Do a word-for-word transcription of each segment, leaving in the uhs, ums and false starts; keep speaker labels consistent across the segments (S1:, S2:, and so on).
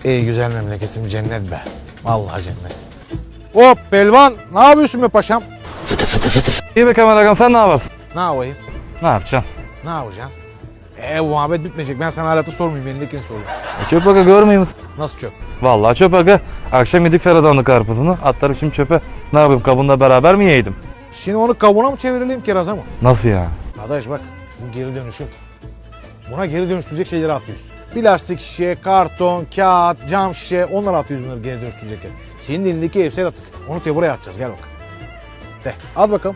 S1: Ey güzel memleketim cennet be. Vallahi cennet. Hop pelvan, ne yapıyorsun be paşam?
S2: İyi be Kemal Agam, sen ne yaparsın?
S1: Ne yapayım?
S2: Ne yapacaksın?
S1: Ne yapacaksın? Eee bu muhabbet bitmeyecek. Ben sana halatı sormayayım. Elindekini sorayım.
S2: E, çöp aga görmüyor musun?
S1: Nasıl çöp?
S2: Vallahi çöp aga. Akşam yedik Ferhat'ın karpuzunu. Atlarım şimdi çöpe. Ne yapayım, kabunla beraber mi yiyeydim?
S1: Şimdi onu kabuğuna mı çevirelim kiraza mı?
S2: Nasıl ya?
S1: Arkadaş bak bu geri dönüşüm. Buna geri dönüştürecek şeyleri atıyoruz. Plastik şişe, karton, kağıt, cam şişe onları atıyoruz bunları geri dönüştürecekler. Senin elindeki evsel atık. Onu te buraya atacağız gel bak. De at bakalım.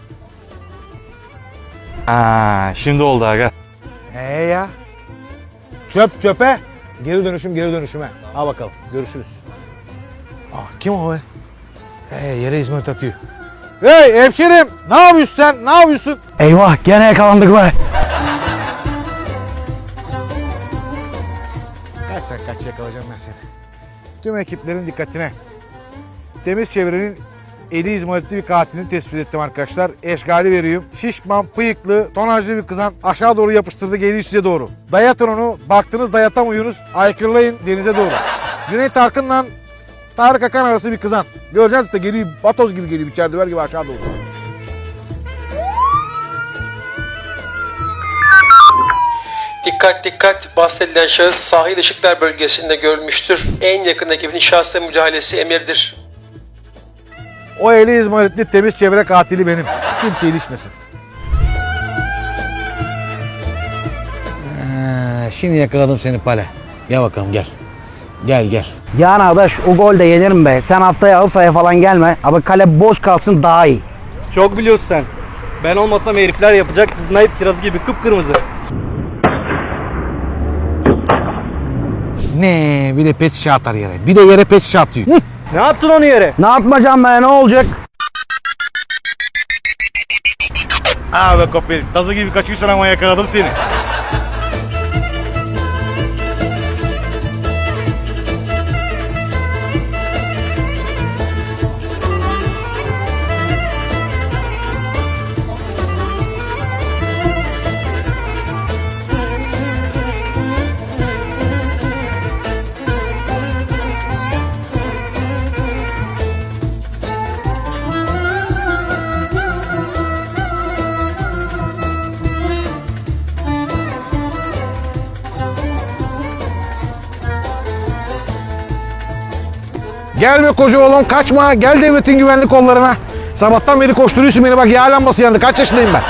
S2: Aa, şimdi oldu aga.
S1: Ee ya. Çöp çöpe. Geri dönüşüm geri dönüşüme. Al bakalım görüşürüz. Aa, kim o be? Ee, yere İzmarit atıyor. Hey hemşerim ne yapıyorsun sen? Ne yapıyorsun?
S3: Eyvah gene yakalandık be.
S1: Kaç sen kaç yakalayacağım ben seni. Tüm ekiplerin dikkatine. Temiz çevrenin eli izmaritli bir katilini tespit ettim arkadaşlar. Eşgali veriyorum. Şişman, bıyıklı, tonajlı bir kızan aşağı doğru yapıştırdı geliyor size doğru. Dayatın onu. Baktınız dayatamıyorsunuz. Aykırılayın denize doğru. Cüneyt Arkın'la Tarık Akan arası bir kızan. Göreceğiz de geliyor batoz gibi geliyor içeride ver gibi aşağı doğru.
S4: Dikkat dikkat, bahsedilen şahıs sahil ışıklar bölgesinde görülmüştür. En yakın ekibin şahsa müdahalesi emirdir.
S1: O eli izmaritli temiz çevre katili benim. Kimse ilişmesin. Ee, şimdi yakaladım seni Pale. Gel bakalım gel. Gel gel.
S3: Yani arkadaş o gol de yenirim be. Sen haftaya halı sahaya falan gelme. Abi kale boş kalsın daha iyi.
S5: Çok biliyorsun sen. Ben olmasam herifler yapacak. Snipe kirazı gibi kıpkırmızı.
S1: Ne bir de pet şişe atar yere. Bir de yere pet şişe atıyor.
S5: Ne yaptın onu yere?
S3: Ne yapmayacağım be ne olacak?
S1: Aa be kopil. Tazı gibi kaçıyorsun ama yakaladım seni. Gel be koca oğlum kaçma. Gel devletin güvenlik kollarına. Sabahtan beri koşturuyorsun beni bak yağ lambası yandı. Kaç yaşındayım ben?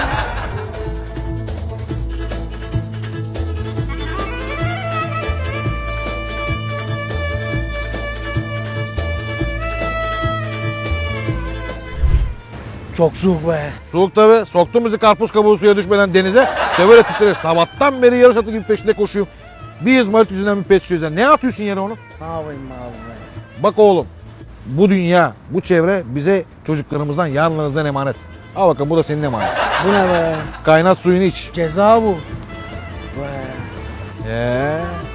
S3: Çok soğuk be.
S1: Soğuk tabi. Soktum bizi karpuz kabuğu suya düşmeden denize. De böyle titrer. Sabahtan beri yarış atı gibi peşinde koşuyorum. Bir izmarit yüzünden bir pet şişe yüzünden. Ne atıyorsun yere onu?
S3: Ne yapayım abi be?
S1: Bak oğlum. Bu dünya, bu çevre bize çocuklarımızdan, yarınlarımızdan emanet. Al bakalım bu da senin emanet.
S3: Bu ne be?
S1: Kaynat suyunu iç.
S3: Ceza bu. Be.
S1: Ee,